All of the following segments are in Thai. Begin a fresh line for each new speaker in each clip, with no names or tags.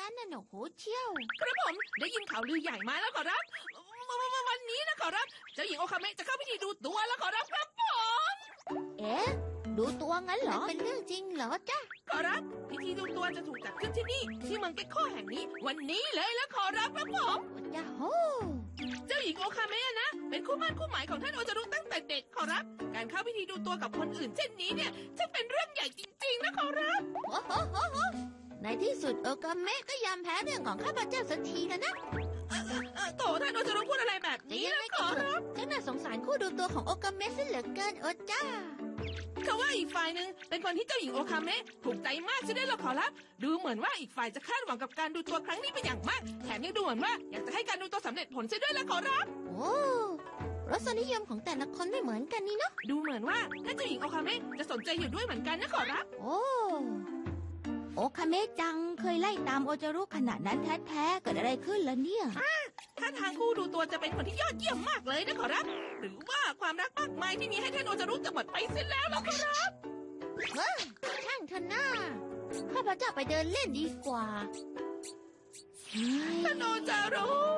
กันน่ะหนกหูเชี่ยว
ครับผมได้ยินข่าวลือใหญ่มาแล้วขอรับวันนี้นะขอรับเจ้าหญิงโอคาเมะจะเข้าพิธีดูตัวแล้วขอรับครับผม
เอ๊ะดูตัวงั้นเหรอเป็นเรื่องจริงเหรอจ๊ะ
ขอรับพิธีดูตัวจะถูกจัดขึ้นที่นี่ที่เมืองเก็กโคแห่งนี้วันนี้เลยแล้วขอรับครับผม
จ้าโห
เจ้าหญิงโอคาเมะนะเป็นคู่มั่นคู่หมายของท่านโอจารุตั้งแต่เด็กขอรับการเข้าพิธีดูตัวกับคนอื่นเช่นนี้เนี่ยจะเป็นเรื่องใหญ่จริงๆนะขอรับ
โอ้โหในที่สุดโอกาเมะก็ยอมแพ้เรื่องของข้าพเจ้าสักทีแล้วนะ
โถท่านโอจารุพูดอะไรแบบ
แต่
นี้
ยัง
นะ
ไง
ข
ก็
อ
เถ
รั
อะ
บ
ฉันน่าสงสารคู่ดูตัวของโอกาเมะซะเหลือเกินโอจ้า
เขาว่าอีกฝ่ายหนึ่งเป็นคนที่เจ้าหญิงโอคาเมะถูกใจมากใช่ไหมล่ะขอรับดูเหมือนว่าอีกฝ่ายจะคาดหวังกับการดูตัวครั้งนี้เป็นอย่างมากแถมยังดูเหมือนว่าอยากจะให้การดูตัวสำเร็จผลซะด้วยล่ะขอรับ
โอ้รสนิยมของแต่ละคนไม่เหมือนกันนี่เนาะ
ดูเหมือนว่าท่านเจ้าหญิงโอคาเมะจะสนใจอยู่ด้วยเหมือนกันนะขอรับ
โอ้โอคาเมะจังเคยไล่ตามโอจารุขนาดนั้นแท้ๆเกิดอะไรขึ้นล่ะเนี่ย
ถ้าทางคู่ดูตัวจะเป็นคนที่ยอดเยี่ยมมากเลยนะขอรับ หรือว่าความรักมากมายที่มีให้ท่านโอจารุจะหมดไปเสียแล้วล่ะขอรับ
ช่างเถอะนะข้าพเจ้าไปเดินเล่นดีกว่าเฮ้ย
ท่านโอจารุ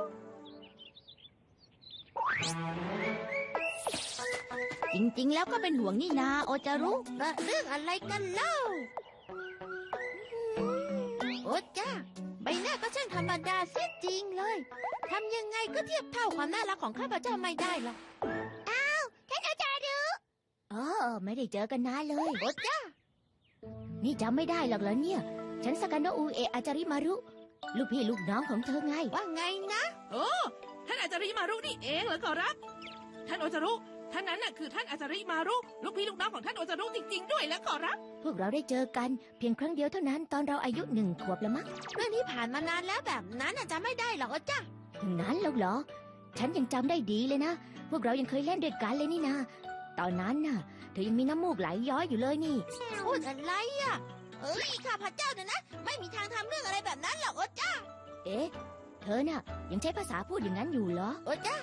จริงๆแล้วก็เป็นห่วงนี่นาโอจารุเรื่องอะไรกันเล่าโอจ้าใบหน้าก็ช่างธรรมดาเสียจริงเลยทำยังไงก็เทียบเท่าความน่ารักของข้าพเจ้าไม่ได้หรอกอ้าวท่านโอจารุไม่ได้เจอกันนานเลยโอจ้านี่จำไม่ได้หรอกเหรอเนี่ยฉันสกันโนอุเอะอาจาริมารุลูกพี่ลูกน้องของเธอไงว่าไงนะ
โอ้ท่านอาจาริมารุนี่เองเหรอขอรับ ท่านโอจารุท่านนั้นน่ะคือท่านอาจาริมารุลูกพี่ลูกน้องของท่านโอจารุจริงๆด้วยแล้วขอรับ
พวกเราได้เจอกันเพียงครั้งเดียวเท่านั้นตอนเราอายุ1 ขวบละมั้งเรื่องนี้ผ่านมานานแล้วแบบนั้นจำไม่ได้หรอกจ้ะถึงนั้นแล้วเหรอ ฉันยังจำได้ดีเลยนะ พวกเรายังเคยเล่นด้วยกันเลยนี่นะตอนนั้นน่ะเธอยังมีน้ำมูกไหลย้อยอยู่เลยนี่พูดอะไรอ่ะข้าพเจ้าเนี่ยนะไม่มีทางทำเรื่องอะไรแบบนั้นหรอกจ้ะเอ๊ะเธอน่ะยังใช้ภาษาพูดอย่างนั้นอยู่เหรอจ้ะ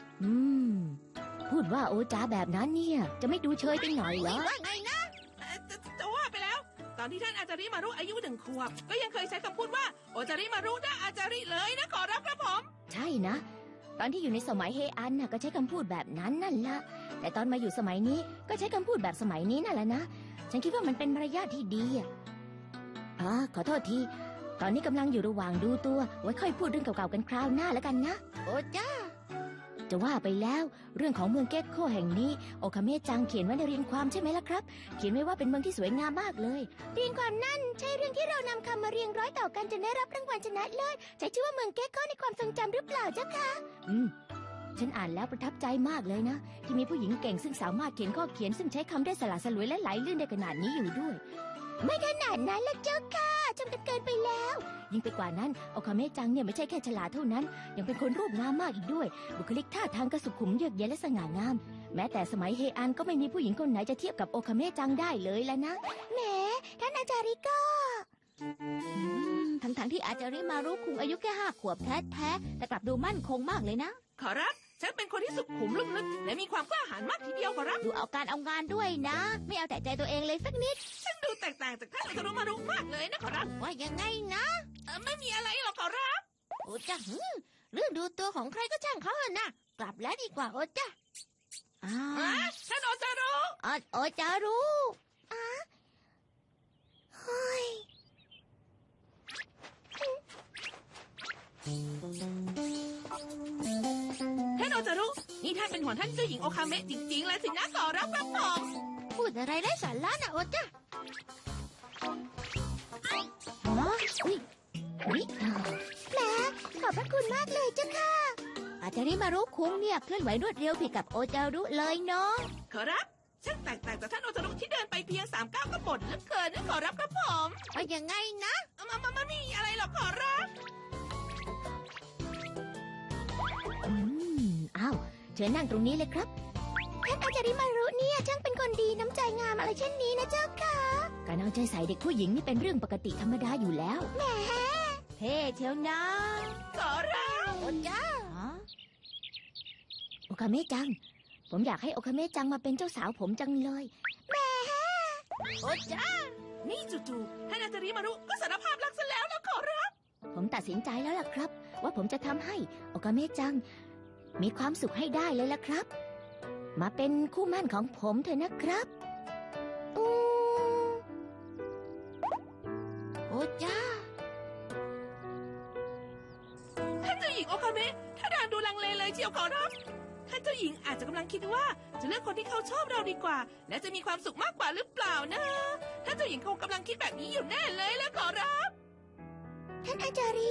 พูดว่าโอจ้าแบบนั้นเนี่ยจะไม่ดูเชยไปหน่อยเหรอว่าไงนะ
จะว่าไปแล้ว ตอนที่ท่านอาจาริมารุอายุ1 ขวบก็ยังเคยใช้คำพูดว่าโอจาริมารุนะอาจาริเลยนะขอรับครับผม
ใช่นะ ตอนที่อยู่ในสมัยเฮอันน่ะก็ใช้คำพูดแบบนั้นนั่นละแต่ตอนมาอยู่สมัยนี้ก็ใช้คำพูดแบบสมัยนี้นั่นแหละนะฉันคิดว่ามันเป็นมารยาทที่ดีอ่ะขอโทษทีตอนนี้กำลังอยู่ระหว่างดูตัวไว้ค่อยพูดเรื่องเก่าๆกันคราวหน้าแล้วกันนะโอ้จ้าจะว่าไปแล้วเรื่องของเมืองเก็กโคแห่งนี้โอคาเมะจังเขียนไว้ในเรียงความใช่ไหมล่ะครับเขียนไว้ว่าเป็นเมืองที่สวยงามมากเลยเรียงความนั่นใช่เรื่องที่เรานำคำมาเรียงร้อยต่อกันจนได้รับรางวัลชนะเลิศใช้ชื่อว่าเมืองเก็กโคในความทรงจำหรือเปล่าเจ้าคะฉันอ่านแล้วประทับใจมากเลยนะที่มีผู้หญิงเก่งซึ่งสามารถเขียนข้อเขียนซึ่งใช้คำได้สละสลวยและไหลลื่นได้ขนาดนี้อยู่ด้วยไม่ขนาดนั้นละเจ้าค่ะจำกันเกินไปแล้วยิ่งไปกว่านั้นโอคาเมะจังเนี่ยไม่ใช่แค่ฉลาดเท่านั้นยังเป็นคนรูปงามมากอีกด้วยบุคลิกท่าทางก็สุขุมเยือกเย็นและสง่างามแม้แต่สมัยเฮอันก็ไม่มีผู้หญิงคนไหนจะเทียบกับโอคาเมะจังได้เลยแล้วนะแหมท่านอาจาริก็ทั้งที่อาจาริมารุคุงอายุแค่5 ขวบแท้ๆแต่กลับดูมั่นคงมากเลยนะ
ขอรับฉันเป็นคนที่สุขุมลุ่มลึกและมีความกล้าหาญมากทีเดียวขอรับ
ดูเอาการเอางานด้วยนะ ไม่เอาแต่ใจตัวเองเลยสักนิด
ฉันดูแตกต่างจากท่านโอจารุมารุมากเลยนะขอรับ
ว่ายังไงนะ
ไม่มีอะไรหรอกขอรับ
โอ้จ้ะเรื่องดูตัวของใครก็ช่างเขาเถอะนะกลับแล้วดีกว่าโอ้จ้ะ
ท่านโอจารุ
โอ้จารุเฮ้ย
ท่านโอจารุนี่ท่านเป็นห่วงท่านเจ้าหญิงโอคาเมะจริงๆเลยสินะขอรับครับผม
พูดอะไรไร้สาระนะโอ้จ้ะอุ๊ยแหมขอบพระคุณมากเลยเจ้าค่ะอาจารย์มารุคุงเนี่ยเคลื่อนไหวรวดเร็วผิดกับโอจารุเลยเนาะ
ขอรับฉันแตกต่างจากท่านโอจารุที่เดินไปเพียง3 ก้าวก็บ่นเหลือเกินนะขอรับครับผม
ว่ายังไงนะ
มันไม่มีอะไรหรอกขอรับ
อ้าวเชิญนั่งตรงนี้เลยครับท่านอาจารย์มารุเนี่ยช่างเป็นคนดีน้ำใจงามอะไรเช่นนี้นะเจ้าค่ะการเอาใจใส่เด็กผู้หญิงนี่เป็นเรื่องปกติธรรมดาอยู่แล้วแหมเท่เชียวนะ
ขอรับ
โอจ้าโอคาเมะจังผมอยากให้โอคาเมะจังมาเป็นเจ้าสาวผมจังเลยแหมโอจ้า
นี่จู่ๆท่านอาจาริมารุก็สารภาพรักซะแล้วนะขอรับ
ผมตัดสินใจแล้วล่ะครับ ว่าผมจะทำให้โอกาเมะจังมีความสุขให้ได้เลยล่ะครับ มาเป็นคู่หมั่นของผมเถอะนะครับอืมโอ้จ้า
ท่านเจ้าหญิงโอคาเมะถ้าทางดูลังเลเลยเชียวขอรับท่านเจ้าหญิงอาจจะกำลังคิดว่าจะเลือกคนที่เขาชอบเราดีกว่า และจะมีความสุขมากกว่าหรือเปล่านะท่านเจ้าหญิงคงกำลังคิดแบบนี้อยู่แน่เลยแล้วขอรับ
ท่านอาจาริ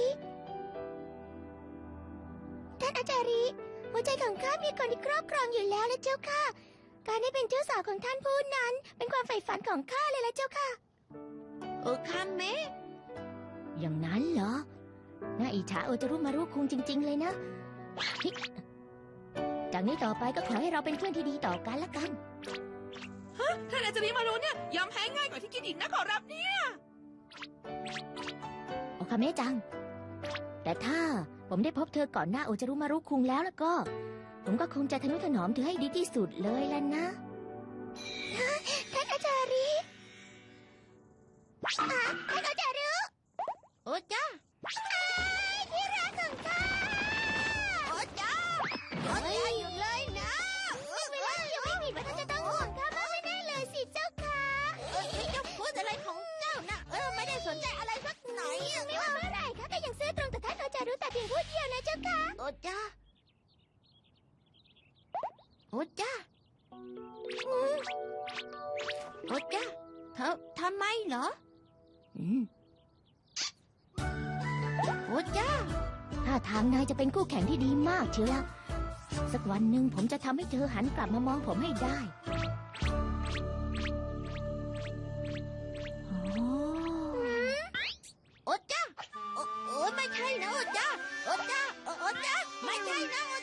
หัวใจของข้ามีคนที่ครอบครองอยู่แล้วละเจ้าค่ะ การได้เป็นเจ้าสาวของท่านผู้นั้น เป็นความใฝ่ฝันของข้าเลยละเจ้าค่ะ โอคาเมะอย่างนั้นเหรอ น่าอิจฉาโอจารุมารุคุงจริง ๆ เลยนะฮิจากนี้ต่อไปก็ขอให้เราเป็นเพื่อนที่ดีต่อกันละกัน
ท่านอาจารย์มารุเนี่ยยอมแพ้ง่ายกว่าที่คิดอีกนะขอรับเนี่ย
โอคาเมะจัง แต่ถ้าผมได้พบเธอก่อนหน้าโอจารุมารุคุงแล้วก็ ผมก็คงจะทนุถนอมเธอให้ดีที่สุดเลยล่ะนะ ท่านอาจาริท่านอาจารุโอจ้าที่รักของข้าโอจ้าหยุดเลยนะเวลายังไม่มีว่าท่านจะต้องห่วงข้ามากไม่แน่เลยสิเจ้าค่ะเจ้าพูดอะไรของเจ้านะไม่ได้สนใจอะไรสักหน่อยไม่ว่าเมื่อไหร่ข้าก็ยังซื่อตรงต่อท่านโอจารุแต่เพียงผู้เดียวนะเจ้าค่ะโอจ้าโอจ้าโอจ้าทำไมเหรอโอจ้าถ้าทางนายจะเป็นคู่แข่งที่ดีมากเชียวละสักวันหนึ่งผมจะทำให้เธอหันกลับมามองผมให้ได้โอจ้าโอ้ไม่ใช่นะโอจ้าโอจ้าไม่ใช่นะโอ